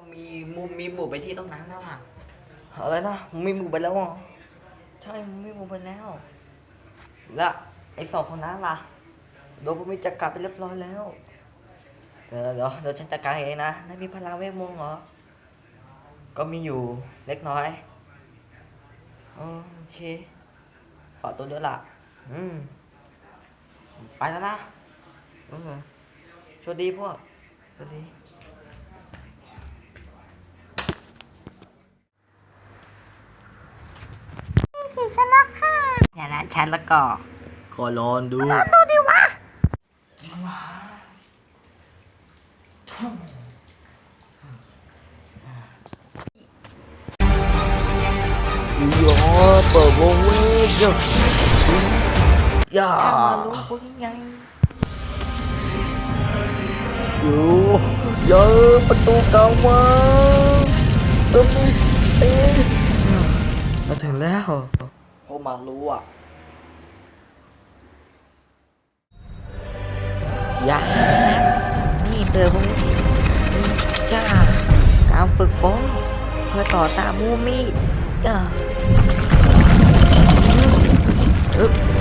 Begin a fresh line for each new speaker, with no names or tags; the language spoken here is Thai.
มีมีหมู่ไปที่ตรงนั้นแล้วอ่ะ
อะไรนะมีหมู่ไปแล้วเหรอใช่มีหมู่ไปแล้วและไอ้สองคนนั้นล่ะโดนพวกมีจัดการไปเรียบร้อยแล้วเดี๋ยวฉันจัดการเองนะนายมีพลังเวทมนต์เหรอก็มีอยู่เล็กน้อยโอเคขอตัวเดียวล่ะไปแล้วนะโชคดีพวกโชคดี
สิชนะค่ะ
อย่านะฉันแล้วก็ขอลองดู
ดูดิวะ
เปิดวงเวทอย่ารู้พวกยังอยู่เยอะประตูเก่ามาตัวมีสเปซมาถึงแล้วพวกมารู้อ่ะอย่านี่เธอพวกจ้าการฝึกฝนเพื่อต่อตามมูมี่จ้า